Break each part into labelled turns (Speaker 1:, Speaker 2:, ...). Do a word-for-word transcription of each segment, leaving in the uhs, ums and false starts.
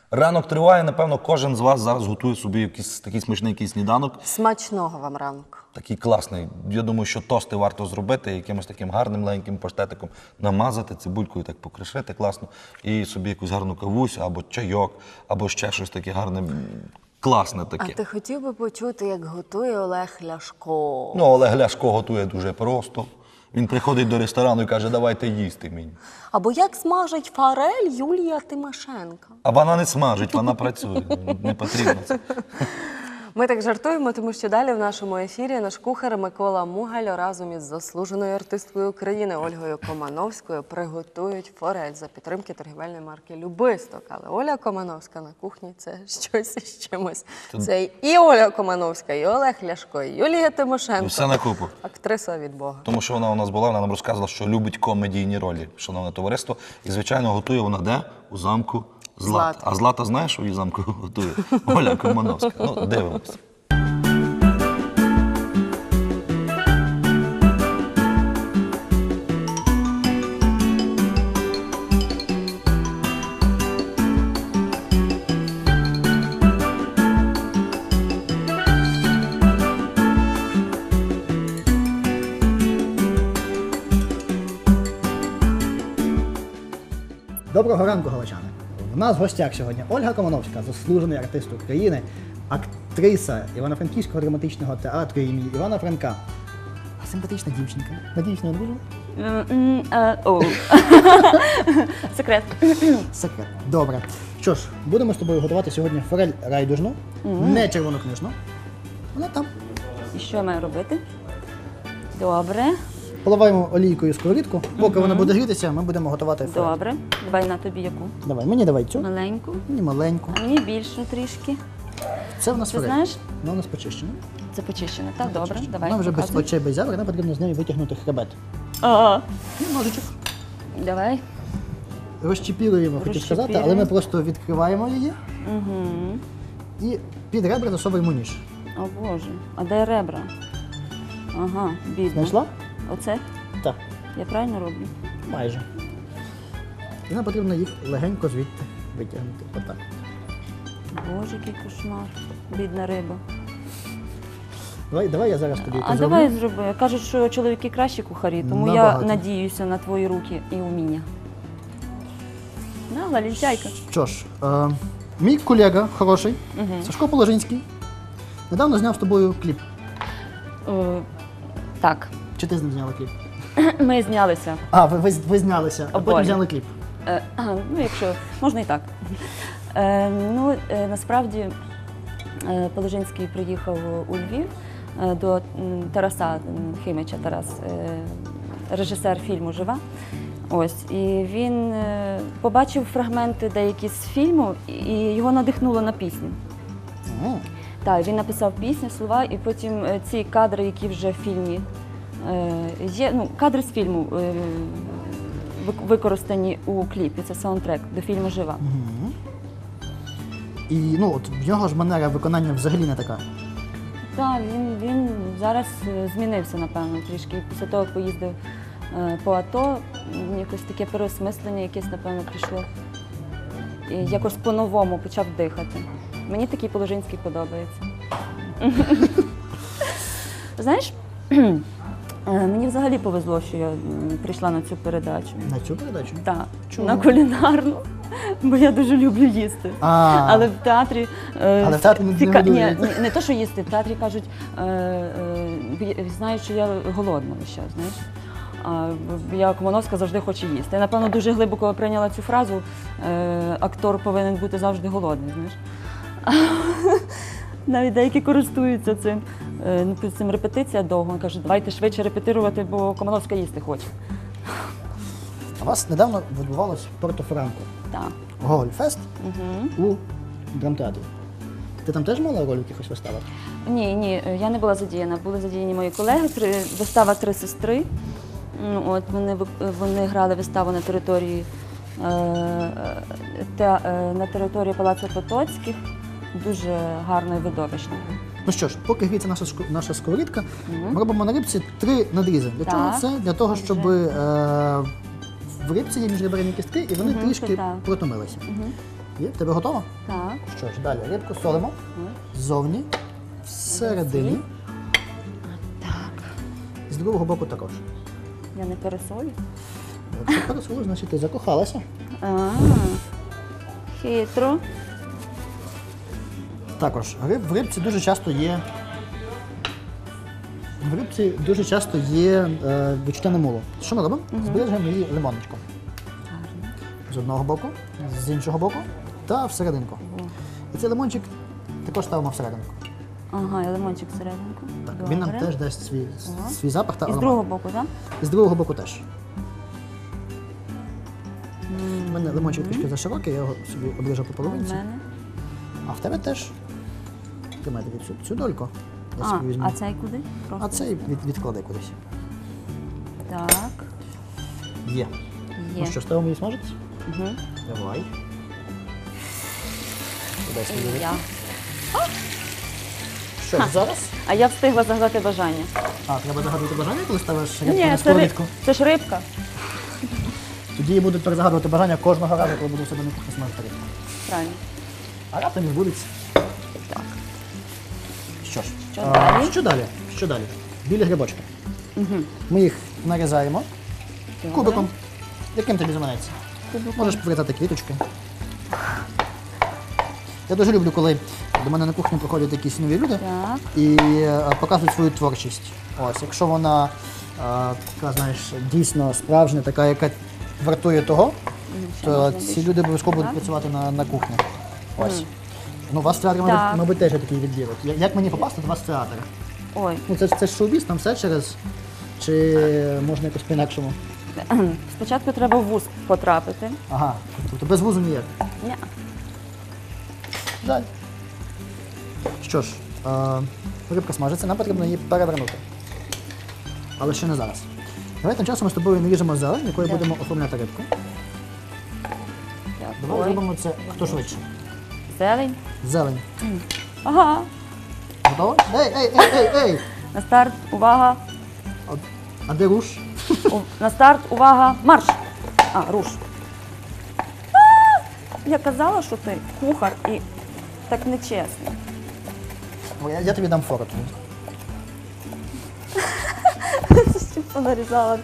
Speaker 1: Ранок триває, напевно, кожен з вас зараз готує собі якийсь такий смачний якийсь сніданок.
Speaker 2: Смачного вам ранку.
Speaker 1: Такий класний. Я думаю, що тости варто зробити, якимось таким гарним маленьким паштетиком намазати, цибулькою так покришити класно. І собі якусь гарну кавусь, або чайок, або ще щось таке гарне, класне таке.
Speaker 2: А ти хотів би почути, як готує Олег Ляшко?
Speaker 1: Ну, Олег Ляшко готує дуже просто. Він приходить до ресторану і каже, давайте їсти мені.
Speaker 2: Або як смажить форель Юлія Тимошенко?
Speaker 1: А вона не смажить, вона працює. Не потрібно це.
Speaker 2: Ми так жартуємо, тому що далі в нашому ефірі наш кухар Микола Мугаль разом із заслуженою артисткою України Ольгою Комановською приготують форель за підтримки торгівельної марки «Любисток». Але Оля Комановська на кухні – це щось із чимось. Це і Оля Комановська, і Олег Ляшко, і Юлія Тимошенко.
Speaker 1: Все на купу.
Speaker 2: Актриса від Бога.
Speaker 1: Тому що вона у нас була, вона нам розказувала, що любить комедійні ролі, шановне товариство. І, звичайно, готує вона де? У замку Злата.
Speaker 2: Злата.
Speaker 1: А Злата знаєш, що в її замку готує? Оля Комановська. Ну, дивимося.
Speaker 3: Доброго ранку, галичани! У нас в гостях сьогодні Ольга Комановська, заслужений артист України, актриса Івано-Франківського драматичного театру імені Івана Франка. Симпатична дівчинка. Надіюсь, не одружена?
Speaker 4: Секрет.
Speaker 3: Секрет. Добре. Що ж, будемо з тобою готувати сьогодні форель райдужну, не червонокнижну. Вона там.
Speaker 4: І що я маю робити? Добре.
Speaker 3: Поливаємо олійкою сковорідку. Поки вона буде грітися, ми будемо готувати форель.
Speaker 4: Добре. Давай на тобі яку?
Speaker 3: Давай, мені давай цю,
Speaker 4: Маленьку.
Speaker 3: мені маленьку.
Speaker 4: А мені більшу трішки.
Speaker 3: Це в нас
Speaker 4: Ти
Speaker 3: форель.
Speaker 4: знаєш?
Speaker 3: Вона у нас почищена.
Speaker 4: Це почищено. Так, добре. Давай.
Speaker 3: Вона вже без
Speaker 4: показуй.
Speaker 3: очей, без зябр, нам потрібно з неї витягнути хребет.
Speaker 4: А,
Speaker 3: І ножичок.
Speaker 4: Давай.
Speaker 3: Розчіпіруємо, хотів сказати, але ми
Speaker 4: Розчіпіруємо.
Speaker 3: просто відкриваємо її
Speaker 4: Угу.
Speaker 3: і під ребра засовуємо ніж.
Speaker 4: О Боже. А де ребра? Ага, бідно.
Speaker 3: Знайшла?
Speaker 4: Оце?
Speaker 3: Так,
Speaker 4: Я правильно роблю?
Speaker 3: майже. І нам потрібно їх легенько звідти витягнути. Отак.
Speaker 4: Боже, який кошмар. Бідна риба.
Speaker 3: Давай, давай я зараз тобі
Speaker 4: А
Speaker 3: це
Speaker 4: давай
Speaker 3: зроблю.
Speaker 4: зроби. Кажуть, що чоловіки кращі кухарі, тому
Speaker 3: Набагато.
Speaker 4: я надіюся на твої руки і вміння. На, лалінчайка.
Speaker 3: Що ж, е, мій колега хороший, Сашко Положинський, недавно зняв з тобою кліп.
Speaker 4: Е, так,
Speaker 3: Чи ти з ним зняла кліп?
Speaker 4: ми знялися.
Speaker 3: А, ви, ви, ви знялися, а потім
Speaker 4: Обоє.
Speaker 3: зняли кліп.
Speaker 4: Е, ага, ну, якщо можна і так. Е, ну, е, насправді е, Положинський приїхав у Львів е, до м, Тараса м, Химича, Тарас, е, режисер фільму Жива. Ось, і він е, побачив фрагменти деякі з фільму, і його надихнуло на пісню.
Speaker 3: О,
Speaker 4: Так, він написав пісню, слова, і потім е, ці кадри, які вже в фільмі е, є, ну, кадри з фільму е, вик- використані у кліпі, це саундтрек до фільму Жива.
Speaker 3: Мгм. І ну, от в нього ж манера виконання взагалі не така.
Speaker 4: Так, він, він зараз е, змінився, напевно, трішки. Після того, як поїздив е, по АТО, м, якось таке переосмислення якесь, напевно, прийшло. І якось по-новому почав дихати. Мені такий Положинський подобається. Знаєш, е, мені взагалі повезло, що я м, прийшла на цю передачу.
Speaker 3: На цю передачу?
Speaker 4: Так,
Speaker 3: Чому?
Speaker 4: на кулінарну, бо я дуже люблю їсти.
Speaker 3: А,
Speaker 4: Але в театрі, е,
Speaker 3: Але в театрі не
Speaker 4: ціка- ні,
Speaker 3: годують.
Speaker 4: ні, не то, що їсти, в театрі кажуть, е, е, бі- знають, що я голодна весь час, знаєш. А б- я Комановська завжди хоче їсти. Я, напевно, дуже глибоко прийняла цю фразу, е, актор повинен бути завжди голодний, знаєш. Навіть деякі користуються цим. Е, ну, під цим репетиція довго. Кажуть, давайте швидше репетирувати, бо Комановська їсти хоче.
Speaker 3: у вас недавно відбувалось в Порто-Франко
Speaker 4: Так.
Speaker 3: Гоголь-фест
Speaker 4: Угу.
Speaker 3: у драмтеатрі. Ти там теж мала роль в якихось виставах?
Speaker 4: Ні, ні, я не була задіяна. Були задіяні мої колеги. Три, вистава «Три сестри». Ну, От, вони, вип- вони грали виставу на території, е, те, е, на території Палацу Потоцьких. Дуже гарно і видовищно.
Speaker 3: Ну що ж, поки гріється наша, шко- наша сковорідка, ми робимо на рибці три надрізи. Для чого
Speaker 4: Так.
Speaker 3: це? Для того, щоб
Speaker 4: Вже.
Speaker 3: е, в рибці є міжреберні кістки і вони
Speaker 4: Мгм,
Speaker 3: трішки
Speaker 4: це так.
Speaker 3: протомилися.
Speaker 4: Мгм.
Speaker 3: Є? В тебе готово?
Speaker 4: Так.
Speaker 3: Що ж, далі рибку солимо. Ззовні, всередині.
Speaker 4: Так.
Speaker 3: З другого боку також.
Speaker 4: Я не пересолю.
Speaker 3: Якщо пересолиш, значить ти закохалася.
Speaker 4: А, хитро.
Speaker 3: Також риб, в рибці дуже часто є. В рибці дуже часто є е, відчуття намулу. Що ми робимо? Збережемо її лимоночком.
Speaker 4: Гарно.
Speaker 3: З одного боку, з іншого боку та всерединку. І цей лимончик також ставимо всерединку.
Speaker 4: Ага, і лимончик всерединку.
Speaker 3: Так,
Speaker 4: Добре.
Speaker 3: він нам теж дасть свій,
Speaker 4: Ага.
Speaker 3: свій запах та
Speaker 4: І з
Speaker 3: аромат.
Speaker 4: другого боку, так?
Speaker 3: І з другого боку теж. У мене лимончик трішки заширокий, я його собі обріжу по
Speaker 4: У
Speaker 3: половинці.
Speaker 4: мене.
Speaker 3: А в тебе теж. Тримай тобі цю, цю дольку. Я
Speaker 4: А,
Speaker 3: собі візьму.
Speaker 4: а цей куди? Просто.
Speaker 3: А цей від, відкладай кудись.
Speaker 4: Так.
Speaker 3: Є.
Speaker 4: Є.
Speaker 3: Ну що, ставимо її смажитись?
Speaker 4: Угу.
Speaker 3: Давай. Дай свій рибку.
Speaker 4: Я.
Speaker 3: Що ж, зараз?
Speaker 4: А я встигла загадати бажання.
Speaker 3: А, треба загадувати бажання, коли ставиш рибку
Speaker 4: Ні,
Speaker 3: на
Speaker 4: це, ри...
Speaker 3: сковорідку?
Speaker 4: це ж рибка.
Speaker 3: Тоді я буду перезагадувати бажання кожного разу, коли буду в себе на кухні смажити рибку.
Speaker 4: Правильно.
Speaker 3: А раптом і збудеться.
Speaker 4: Так.
Speaker 3: Що ж,
Speaker 4: Що
Speaker 3: а,
Speaker 4: далі?
Speaker 3: що далі? Що далі? Білі грибочки.
Speaker 4: Угу.
Speaker 3: Ми їх нарізаємо кубиком. Яким тобі заманеться?
Speaker 4: Кубиком.
Speaker 3: Можеш повертати квіточки. Я дуже люблю, коли до мене на кухню приходять якісь нові люди
Speaker 4: Так.
Speaker 3: і е, показують свою творчість. Ось, якщо вона е, така, знаєш, дійсно справжня, така, яка вартує того,
Speaker 4: Ще
Speaker 3: то
Speaker 4: можна
Speaker 3: ці
Speaker 4: більше.
Speaker 3: люди обов'язково будуть
Speaker 4: Так.
Speaker 3: працювати на, на кухні. Ось. Ну, у вас в театрі, мабуть,
Speaker 4: Так.
Speaker 3: мабуть, теж є такий відділ. Я- Як мені попасти до вас в театр?
Speaker 4: Ой.
Speaker 3: Ну, це, ж- це ж шоу-біз, там все через. Чи можна якось по-інакшому?
Speaker 4: Спочатку треба в вуз потрапити.
Speaker 3: Ага, тобто без вузу ніяк.
Speaker 4: Ні.
Speaker 3: Жаль. Що ж, е, рибка смажиться, нам потрібно її перевернути. Але ще не зараз. Давай тим часом ми з тобою наріжемо зелень, якою
Speaker 4: Так.
Speaker 3: будемо оформляти рибку. Давай
Speaker 4: Ой.
Speaker 3: зробимо це хто швидше.
Speaker 4: Зелень.
Speaker 3: Зелень.
Speaker 4: Ага.
Speaker 3: Готово? Ей, ей, ей, ей, ей!
Speaker 4: На старт, увага.
Speaker 3: А, а де руш?
Speaker 4: У- На старт, увага, марш! А, руш. А! Я казала, що ти кухар і так нечесно.
Speaker 3: О, Я, я тобі дам фору тоді.
Speaker 4: Що понарізала.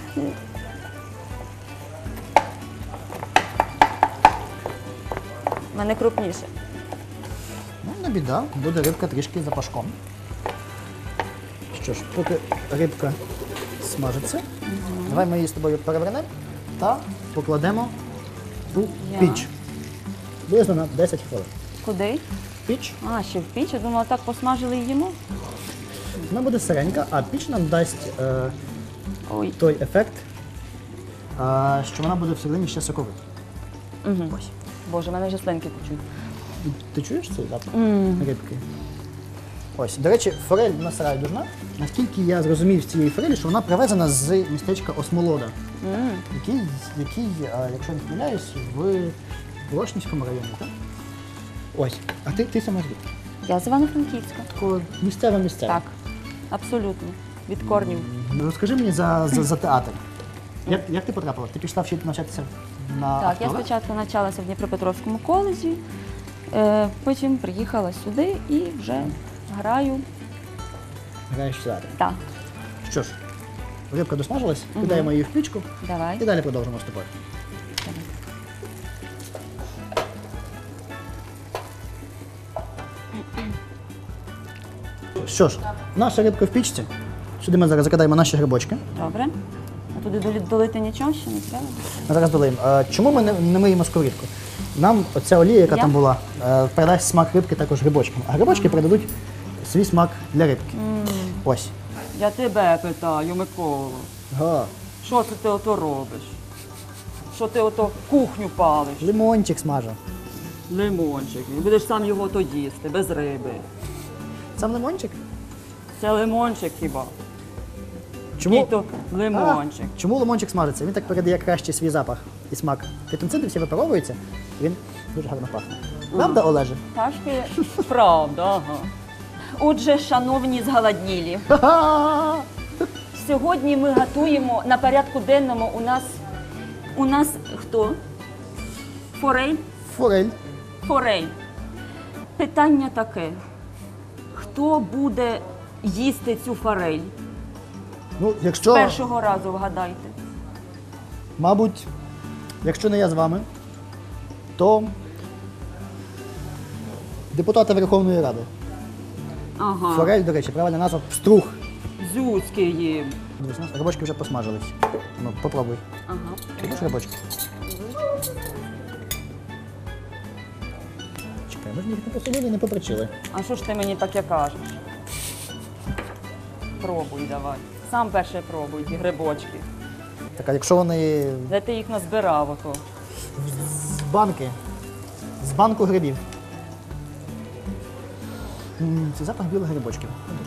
Speaker 4: У мене крупніше.
Speaker 3: Ну, не біда, буде рибка трішки запашком. Що ж, поки рибка смажиться, давай ми її з тобою перевернемо та покладемо у
Speaker 4: Я.
Speaker 3: піч. Близько на десять хвилин.
Speaker 4: Куди?
Speaker 3: Піч
Speaker 4: А, ще в піч. Я думала, так посмажили і їмо.
Speaker 3: вона буде сиренька, а піч нам дасть е,
Speaker 4: Ой.
Speaker 3: той ефект, е, що вона буде всередині ще соковита.
Speaker 4: Угу.
Speaker 3: Ось.
Speaker 4: Боже, мене вже слинки течуть.
Speaker 3: І Ти чуєш цей запах рибки? Ось, до речі, форель у нас райдужна. Наскільки я зрозумів з цієї форелі, що вона привезена з містечка Осмолода,
Speaker 4: М.
Speaker 3: який, який е, якщо не помиляюсь, в Волошнівському районі. Так? Ось. А ти, ти сама звідки?
Speaker 4: Я з Івано-Франківська.
Speaker 3: Такого місцева місцева.
Speaker 4: Так, абсолютно. Від корнів.
Speaker 3: Розкажи мені за, за, за театр. Як, як ти потрапила? Ти пішла вчити навчатися на
Speaker 4: Так, я
Speaker 3: актора?
Speaker 4: спочатку навчалася в Дніпропетровському коледжі, е, потім приїхала сюди і вже граю.
Speaker 3: Граєш в театр.
Speaker 4: Так,
Speaker 3: Що ж, рибка досмажилась, кидаємо її в пічку
Speaker 4: давай.
Speaker 3: і далі продовжимо з тобою. Що ж, наша рибка в пічці. Сюди ми зараз закидаємо наші грибочки.
Speaker 4: Добре. А туди долі- долити нічого ще не треба?
Speaker 3: Ми зараз долиємо. Е, Чому ми не, не миємо сковорідку? Нам оця олія, яка
Speaker 4: Я?
Speaker 3: там була, е, передасть смак рибки також грибочкам. А грибочки передадуть свій смак для рибки. Ось.
Speaker 4: Я тебе питаю, Микола.
Speaker 3: Га.
Speaker 4: Що це ти ото робиш? Що ти ото кухню палиш?
Speaker 3: Лимончик смажу.
Speaker 4: Лимончик. І будеш сам його то їсти, без риби.
Speaker 3: Сам лимончик?
Speaker 4: Це лимончик хіба?
Speaker 3: Чому?
Speaker 4: Який то лимончик.
Speaker 3: А, чому лимончик смажиться? Він так передає краще свій запах і смак. Фітонциди всі випаровуються, і він дуже гарно пахне. Правда, Олеже?
Speaker 4: Ташки, правда, ага. Отже, шановні зголоднілі,
Speaker 3: Ха-ха!
Speaker 4: сьогодні ми готуємо на порядку денному у нас. У нас хто? Форель
Speaker 3: Форель.
Speaker 4: Форель. Питання таке. Хто буде їсти цю форель?
Speaker 3: Ну, якщо,
Speaker 4: Першого разу вгадайте.
Speaker 3: мабуть, якщо не я з вами, то депутати Верховної Ради.
Speaker 4: Ага.
Speaker 3: Форель, до речі, правильна назва струх.
Speaker 4: Зюцьки їм.
Speaker 3: Дивись, у нас рибочки вже посмажились. Ну, попробуй.
Speaker 4: Ага.
Speaker 3: Чуєш рибочки? Чекай, ми ж їх не посолили, не поперчили.
Speaker 4: А що ж ти мені таке кажеш? Пробуй давай. Сам перше пробуй, ті грибочки.
Speaker 3: Так, а якщо вони
Speaker 4: Де ти їх назбирав ото?
Speaker 3: з банки, з банку грибів. М, Це запах білих грибочків.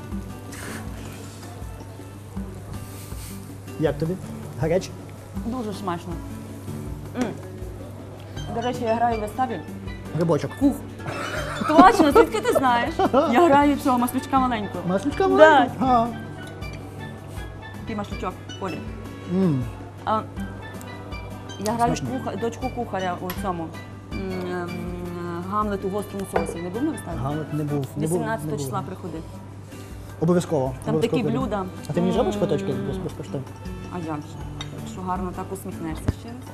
Speaker 3: Як тобі? Гаряче?
Speaker 4: Дуже смачно. М. До речі, я граю в виставі.
Speaker 3: Грибочок.
Speaker 4: Кух. Точно, звідки ти знаєш? Я граю цього маслючка маленького.
Speaker 3: Маслючка
Speaker 4: Да.
Speaker 3: маленька? Ага.
Speaker 4: Який маслючок, Оля.
Speaker 3: М,
Speaker 4: А, я граю
Speaker 3: Смачно.
Speaker 4: куха, дочку кухаря у цьому м, ем, Гамлет у гострому соусі. Не був на виставі?
Speaker 3: Галет не був. не був, не
Speaker 4: вісімнадцятого
Speaker 3: був.
Speaker 4: числа приходи.
Speaker 3: Обов'язково.
Speaker 4: Там
Speaker 3: обов'язково
Speaker 4: такі
Speaker 3: прийду.
Speaker 4: блюда.
Speaker 3: А ти мені
Speaker 4: М.
Speaker 3: зробиш квиточки безкоштовно?
Speaker 4: А як же? Якщо гарно так усміхнешся ще раз.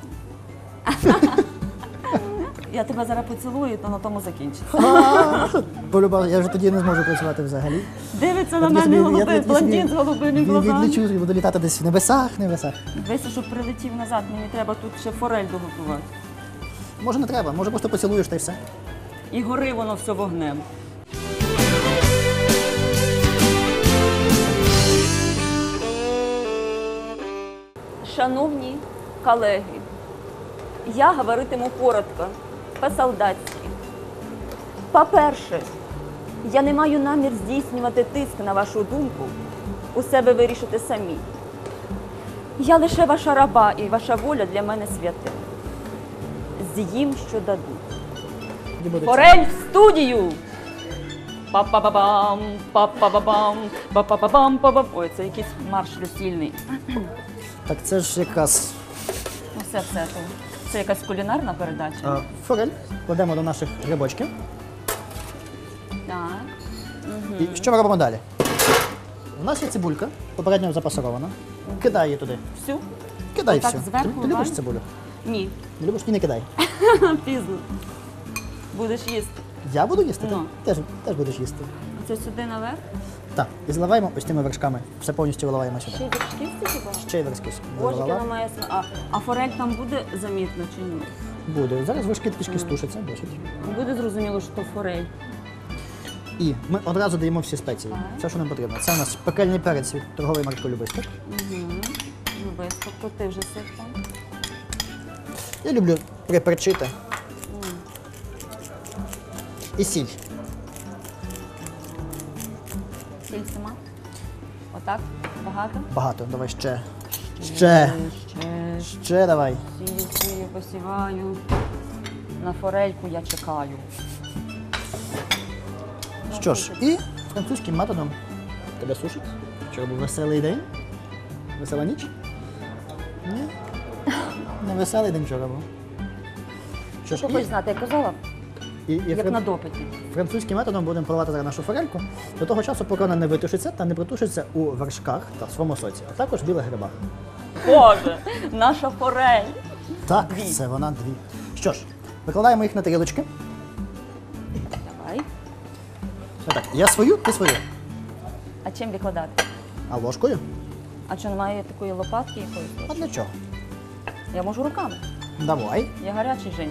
Speaker 4: Я тебе зараз поцілую, то на тому закінчиться.
Speaker 3: Полюбав, я вже тоді не зможу працювати взагалі.
Speaker 4: Дивиться
Speaker 3: Я
Speaker 4: на
Speaker 3: тоді
Speaker 4: мене
Speaker 3: собі- я
Speaker 4: голубий,
Speaker 3: тоді собі
Speaker 4: блондин з голубими
Speaker 3: від-
Speaker 4: глазами.
Speaker 3: Відлічу і буду літати десь в небесах, небесах.
Speaker 4: Дивися, щоб прилетів назад, мені треба тут ще форель доготувати.
Speaker 3: Може не треба, може просто поцілуєш та й все.
Speaker 4: І гори воно все вогнем. Шановні колеги, я говоритиму коротко, по-солдатськи. По-перше, я не маю намір здійснювати тиск на вашу думку, усе ви вирішите самі. Я лише ваша раба, і ваша воля для мене святе. З'їм, що дадуть.
Speaker 3: Тоді буде це.
Speaker 4: Форель в студію! Па-па-ба-бам, па-па-ба-бам, па-па-ба-бам, па-бам. Ой, це якийсь марш весільний.
Speaker 3: Так це ж якраз
Speaker 4: Ну все, все. то. Це якась кулінарна передача.
Speaker 3: а, форель. Кладемо до наших грибочків.
Speaker 4: Так.
Speaker 3: І що ми робимо далі? У нас є цибулька, попередньо запасована. Кидай її туди.
Speaker 4: Всю?
Speaker 3: Кидай
Speaker 4: Отак
Speaker 3: всю.
Speaker 4: зверху,
Speaker 3: Ти, ти любиш
Speaker 4: Вань?
Speaker 3: цибулю?
Speaker 4: Ні.
Speaker 3: Не любиш і не кидай.
Speaker 4: Пізно. Будеш їсти.
Speaker 3: Я буду їсти?
Speaker 4: Ну.
Speaker 3: Ти теж, теж будеш їсти.
Speaker 4: Оце сюди наверх.
Speaker 3: Так, і заливаємо ось тими вершками. Все повністю виливаємо сюди.
Speaker 4: Ще й вершків стільки?
Speaker 3: Ще й вершки
Speaker 4: Боже,
Speaker 3: залила.
Speaker 4: вона має см- а, а форель там буде замітно чи ні?
Speaker 3: Буде. Зараз вершки трішки стушаться, досить.
Speaker 4: Буде зрозуміло, що то форель.
Speaker 3: І ми одразу даємо всі спеції.
Speaker 4: Так.
Speaker 3: Все, що нам потрібно. Це у нас пекельний перець від торгової марки Любисток.
Speaker 4: Угу. Любись, тобто ти вже сив там.
Speaker 3: Я люблю приперчити. І сіль.
Speaker 4: Сіль сама. Отак? Багато?
Speaker 3: Багато. Давай ще. Ще.
Speaker 4: Ще.
Speaker 3: Ще давай.
Speaker 4: Сію, сію, посіваю. На форельку я чекаю.
Speaker 3: Що ж, і французьким методом тебе сушить. Вчора був веселий день. Весела ніч? Ні. Не веселий день вчора був. Що ж,
Speaker 4: Що хочеш знати, я казала?
Speaker 3: і, і, і
Speaker 4: Як
Speaker 3: фран-
Speaker 4: на допиті.
Speaker 3: французьким методом будемо поливати зараз нашу форельку до того часу, поки вона не витушиться та не притушиться у вершках та в своєму соці, а також в білих грибах.
Speaker 4: Боже, наша форель.
Speaker 3: Так,
Speaker 4: Дві.
Speaker 3: це вона дві. Що ж, викладаємо їх на тарілочки.
Speaker 4: Давай.
Speaker 3: Отак, я свою, ти свою.
Speaker 4: А чим викладати?
Speaker 3: А ложкою?
Speaker 4: А чи немає такої лопатки якоїсь?
Speaker 3: А для чого?
Speaker 4: Я можу руками.
Speaker 3: Давай.
Speaker 4: Я гарячий жінка.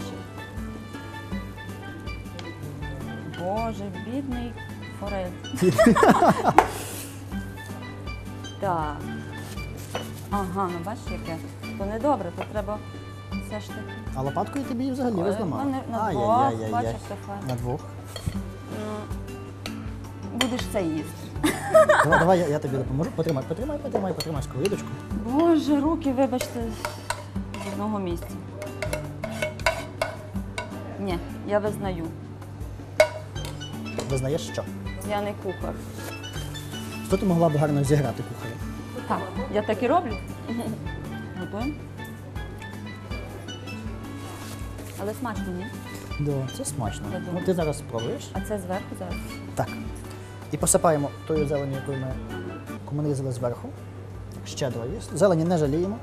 Speaker 4: Боже, бідний форель. Так. Ага, ну бачиш яке. То не добре, то треба все ж таки.
Speaker 3: А лопаткою тобі її взагалі
Speaker 4: Ой,
Speaker 3: розламав.
Speaker 4: мене на двох,
Speaker 3: Ай-яй-яй-яй-яй.
Speaker 4: бачиш, це файно.
Speaker 3: На двох.
Speaker 4: Ну, будеш це їсти.
Speaker 3: Давай, давай я, я тобі допоможу. Потримай, потримай, потримай, потримай сковорідочку.
Speaker 4: Боже, руки, вибачте, з одного місця. Ні, я визнаю.
Speaker 3: Визнаєш що?
Speaker 4: Я не кухар.
Speaker 3: Що ти могла б гарно зіграти кухарем?
Speaker 4: Так, я так і роблю. Готуємо? Але смачно, ні?
Speaker 3: Да, це смачно.
Speaker 4: Я
Speaker 3: Ну,
Speaker 4: думаю.
Speaker 3: ти зараз спробуєш.
Speaker 4: А це зверху зараз?
Speaker 3: Так. І посипаємо тою зеленю, яку ми, яку ми нарізали зверху. Щедро є. Зелені не жаліємо.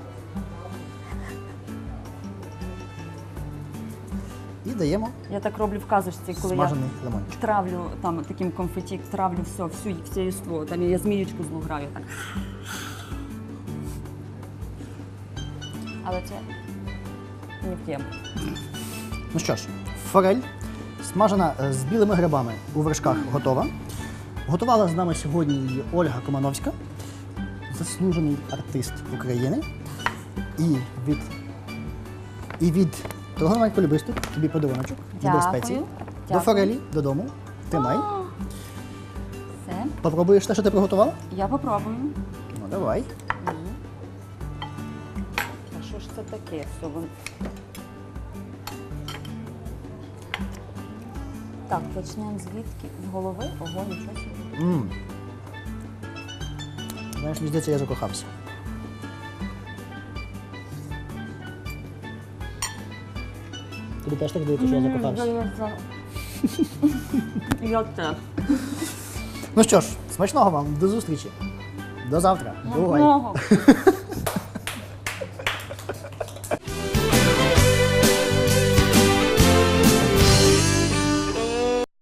Speaker 3: І даємо
Speaker 4: Я так роблю в казочці, коли
Speaker 3: смажений
Speaker 4: я
Speaker 3: лимончик.
Speaker 4: травлю там таким конфеті, травлю все, всю, все єство. Там я зміючку злу граю так. Але це не в тему.
Speaker 3: Ну що ж, форель смажена е, з білими грибами у вершках готова. Готувала з нами сьогодні її Ольга Комановська, заслужений артист України. І від, і від торгового полюбисту тобі подаруночок.
Speaker 4: Дякую.
Speaker 3: Спеції. До
Speaker 4: Дякую.
Speaker 3: форелі додому. Тримай.
Speaker 4: Все,
Speaker 3: Попробуєш те, що ти приготувала?
Speaker 4: я попробую.
Speaker 3: Ну, давай.
Speaker 4: А що ж це таке? Все, вон- Так, почнемо звідки? З голови? Ого, нічого собі.
Speaker 3: М. Знаєш, мені здається, я закохався. Тобі теж так здається, що я закохався?
Speaker 4: Я теж.
Speaker 3: Ну що ж, смачного вам, до зустрічі. До завтра. Бувай.
Speaker 4: Много.